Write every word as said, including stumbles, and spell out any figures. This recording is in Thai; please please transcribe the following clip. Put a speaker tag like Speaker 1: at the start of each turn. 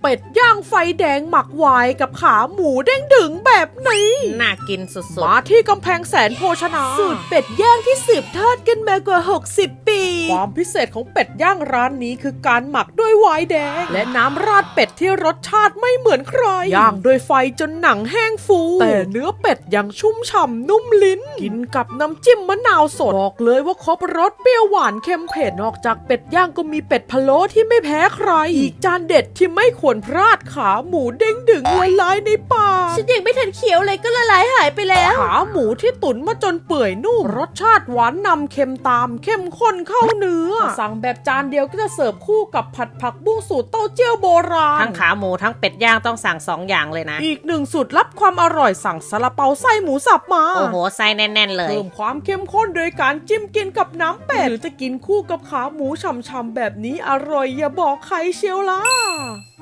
Speaker 1: เป็ดย่างไฟแดงหมักไวน์กับขาหมูเด้งดึงแบบนี้
Speaker 2: น่ากินสุดๆ
Speaker 1: มาที่กำแพงแสนโภชนาสูตรเป็ดย่างที่สืบทอดกันมากว่าหกสิบปีความพิเศษของเป็ดย่างร้านนี้คือการหมักด้วยไวน์แดงและน้ำราดเป็ดที่รสชาติไม่เหมือนใครย่างด้วยไฟจนหนังแห้งฟูแต่เนื้อเป็ดยังชุ่มฉ่ำนุ่มลิ้นกินกับน้ำจิ้มมะนาวสดบอกเลยว่าครบรสเปรี้ยวหวานเค็มเผ็ดนอกจากเป็ดย่างก็มีเป็ดพะโล้ที่ไม่แพ้ใครอีกจานเด็ดที่ไม่ควรพลาดขาหมูเด้งดึงละลายในปาก
Speaker 2: ฉันยังไม่ทันเคี้ยวเลยก็ละลายหายไปแล้ว
Speaker 1: ขาหมูที่ตุ๋นมาจนเปื่อยนุ่มรสชาติหวานนำเค็มตามเข้มข้นเข้าเนื้อสั่งแบบจานเดียวก็จะเสิร์ฟคู่กับผัดผักบุ้งสูตรเต้าเจี้ยวโบราณ
Speaker 2: ทั้งขาหมูทั้งเป็ดย่างต้องสั่งสองอย่างเลยนะ
Speaker 1: อีกหนึ่งสูตรลับความอร่อยสั่งซาลาเปาไส้หมูสับมา
Speaker 2: โอ้โหไส้แน่นๆเลย
Speaker 1: เพิ่มความเข้มข้นโดยการจิ้มกินกับน้ำเป็ดหรือจะกินคู่กับขาหมูฉ่ำๆแบบนี้อร่อยอย่าบอกใครเชียวล่ะ